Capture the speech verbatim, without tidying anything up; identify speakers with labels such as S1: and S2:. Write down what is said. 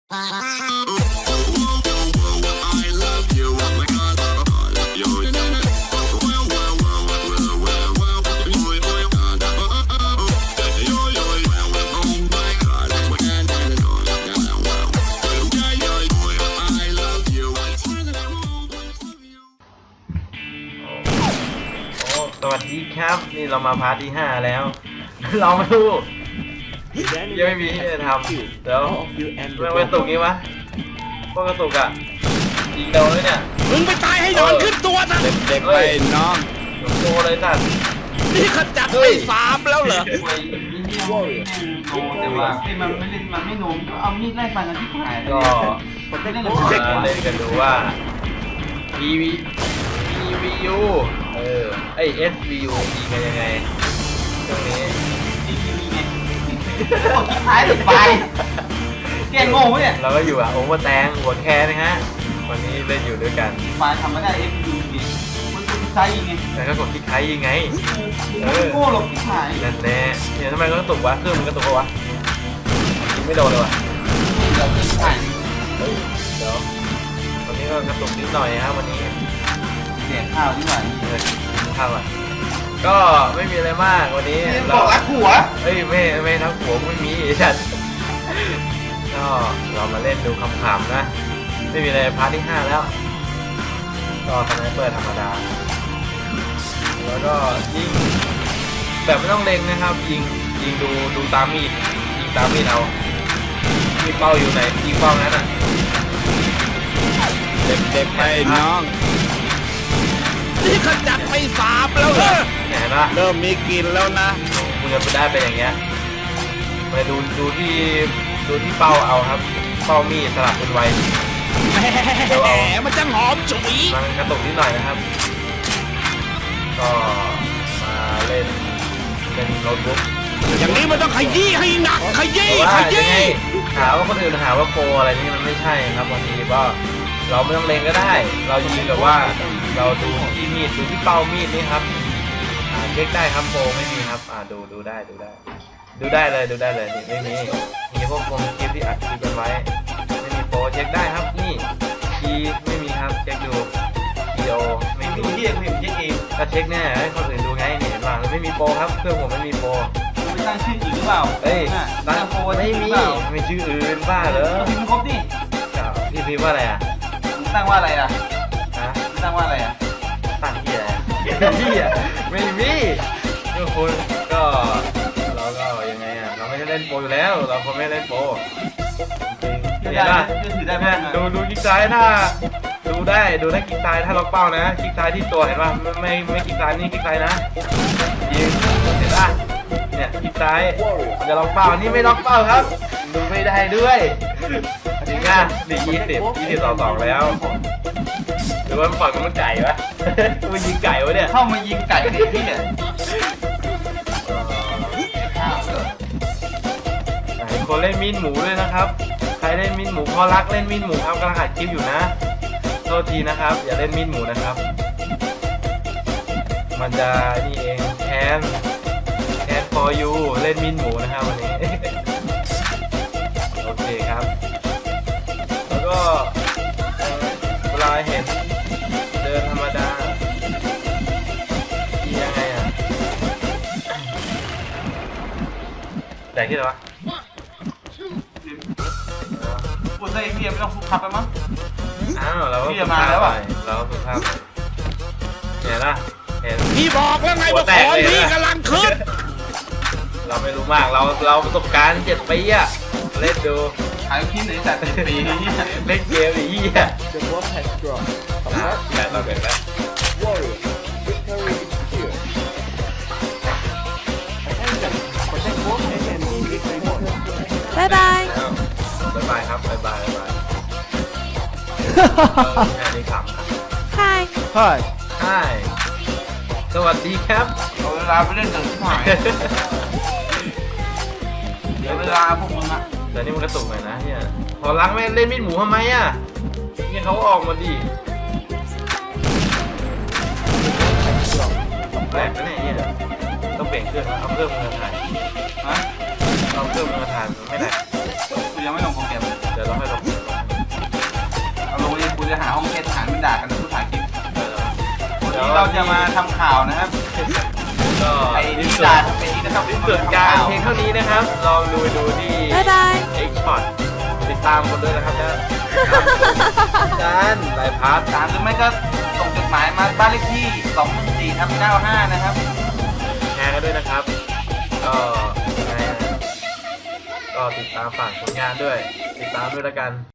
S1: สวัสดีครับนี่เรามาพาร์ทที่ห้าแล้วเราไม่รู้ยังไม่มีที่จะทำเดี๋ยวมันเป็นตุกนี้วะพวกกระตุกอะยิงเดาเลยเนี่ย
S2: มึงไปตายให้นอนขึ้นตัวซะ
S3: เด็กๆไปน้อง
S1: โตเลยสัตว์
S2: นี่ขจัดไปสามแล้วเหรอ
S4: โอ้แต่ว่าไอ้มันไม่เล่นมันไม่โน้มก็เอามีดไล่ฟันกันที่หาย
S1: ก็
S4: ผมได้เล่น
S1: เล่นกันดูว่า พี วี พี วี ยู เออไอ เอส วี ยู ยิงกันยังไงตรงนี้
S4: ดีทีวีไงโอ้ท้ายสุดไปเก่งโง่เนี่ย
S1: เราก็อยู่อ่ะโอ้มาแตงหัวแคร์นะฮะวันนี้เล่นอยู่ด้วยกัน
S4: มาทำไม่ได้ เอฟ วี ยู มันเป็นไซยิงไง
S1: แต่ก็กดที่ไคยิงไง
S4: เออโง่หลบที่หาย
S1: นั่นแน่เนี่ยทำไมก็ตกวะเครื่องมันก็ตกวะยิงไม่โดนเลยวะ
S4: เดี๋ยวที่หาย
S1: เฮ้ยเดี๋ยววันนี้ก็กระตุกนิดหน่อยครับวันนี้
S4: เสียข้าวดีกว่า
S1: เลยข้าวอ่ะก็ไม่มีอะไรมากวันนี้
S4: เราบอกรักหัว
S1: เฮ้ยไม่ไม่ทั้งหัวไม่มีฉันก็เรามาเล่นดูคำๆนะไม่มีอะไรพาร์ทที่ห้าแล้วก็สไนเปอร์ธรรมดาแล้วก็ยิงแบบไม่ต้องเล็งนะครับยิงยิงดูดูตามมีดยิงตามมีดเอามีเป้าอยู่ไหนยิงเป้านั้นอ่ะ
S3: เด็กๆไปน้อง
S2: นี่ขจัดไปสามแล้วเหรอ
S1: เห็นปะ
S3: เริ่มมีกินแล้วนะ
S1: คุณจะไปได้เป็นอย่างเงี้ยไปดูดูที่ดูที่เป้าเอาครับเป้ามีดสลับเป็นไว
S2: แหมมันจะหอมฉุย
S1: มันกระตุกนิดหน่อยนะครับก็มาเล่นเป็นโน้ตบุ๊ก
S2: อย่างนี้มันต้องขยี้ให้หนักขยี้ขยี้
S1: หาว่าคนอื่นหาว่าโปรอะไรนี่มันไม่ใช่ครับบางทีก็เราไม่ต้องเล็งก็ได้เรายิงแบบว่าเราดูที่มีดดูที่เป้ามีดนี่ครับอ่าเช็คได้ครับโปรไม่มีครับอ่าดูดูได้ดูได้ดูได้เลยดูได้เลยไม่มีมีพวกวงคลิปที่อัดคลิปกันไว้ไม่มีโปรเช็คได้ครับนี่คีย์ไม่มีครับเช็คดูคีโอไม่มี
S4: ที่เองผมเช็คเอง
S1: ก็เช็คแน่ให้คนอื่นดูไงเนี่ยเห็นป่ะไม่มีโปรครับเครื่องผมไม่มีโปร
S4: ไม่ตั้งชื่ออื่นหรือเปล่า
S1: เอ้ยตั้งโปรไม่มีไม่ชื่ออื่นบ้าเหรอ
S4: พิมพ์ครบดิ
S1: พี่พิมพ์ว่าอะไรอ่ะ
S4: ตั้งว่าอะไรอ่ะ
S1: ฮะ
S4: ตั้งว่าอะไรอ่ะ
S1: ตั้งที่อะไรที่อ่ะไม่มีทุกคนก็เราก็ยังไงอ่ะเราไม่ได้เล่นโปรอยู่แล้วเราคนไม่เล่นโปรจริงๆเห็นป่ะดูดูคลิกซ้ายถ้าดูได้ดูได้คลิกซ้ายถ้าล็อกเป้านะคลิกซ้ายที่ตัวเห็นป่ะไม่ไม่ไม่คลิกซ้ายนี่คลิกซ้ายนะยิงเห็นป่ะเนี่ยคลิกซ้ายจะล็อกเป้านี่ไม่ล็อกเป้าครับดูไม่ได้ด้วยจริงอ่ะดียี่สิบยี่สิบต่อสองแล้วหรือว่ามันปล่อยมันไก่ปะมันยิงไก่วะเนี่ย
S4: เข้ามายิงไก่เนี่ยพี่เนี่ย
S1: คนเล่นมีดหมูด้วยนะครับใครเล่นมีดหมูพอรักเล่นมีดหมูครับกำลังอัดคลิปอยู่นะโทษทีนะครับอย่าเล่นมีดหมูนะครับมันจะนี่เองแคนแคน for you เล่นมีดหมูนะครับวันนี้โอเคครับแล้วก็เวลาเห็นเดินธรรมดาที่ยังไงอ่ะแต่ที่ไหนวะ
S4: ปวดใจเบียร์ไม่ต้องฟุกขับไปมั้ง
S1: อ้าวเราก็ฟุกขับไปเราก็ฟุกขับเห็นละเห็น
S2: พี่บอกแล้วไงว่าของพี่กำลังขึ้น
S1: เราไม่รู้มากเราเราประสบการณ์เจ็ดปีอะเล่นดู
S4: หายคิดในแต่เจ็ดปี
S1: เล่นเกมอีกอ่ะแต่เราเกิดแล้ว
S5: บายบาย
S1: บายบายครับบายบายบายบายแค่นี้ขำครับ
S5: Hi
S3: Hi
S1: Hi สวัสดีครับ
S4: เอาเวลาไปเล่นหนังที่หายเดี๋ยวเวลาพวกมึงอะ
S1: แต่นี่มันกระตุกหน่อยนะเนี่ยพอล้างไม่เล่นมีดหมูทำไมอ่ะเนี่ยเขาออกมาดิแปลกนะเนี่ยต้องเปลี่ยนเครื่องนะเอาเครื่องมือถ่าย
S4: ฮะ
S1: เอาเครื่องมือถ่ายไม่ได้
S4: คือยังไม่ลงโปรแกรม
S1: เดี๋ยวเราให้ลง
S4: เราจะมาทำข่าวนะครับ
S1: ก็
S4: ไอ้
S1: ที่
S4: นิ
S1: สุด
S4: จาทำเป็นนะครับ
S1: ที่สุดการเพียงเท่านี้นะครับ ลองดูไปดูที่
S5: บ๊ายบาย
S1: X Shot ติดตามคนด้วยนะครับนะจานลายพาร์ท
S4: ตามหรือไม่ก็ส่งจดหมายมาบ้านเลขที่สองสี่ทับเก้าห้านะครับ
S1: แชร์กันด้วยนะครับ ก็ยังไงอะก็ติดตามฝากผลงานด้วย ติดตามด้วยแล้วกัน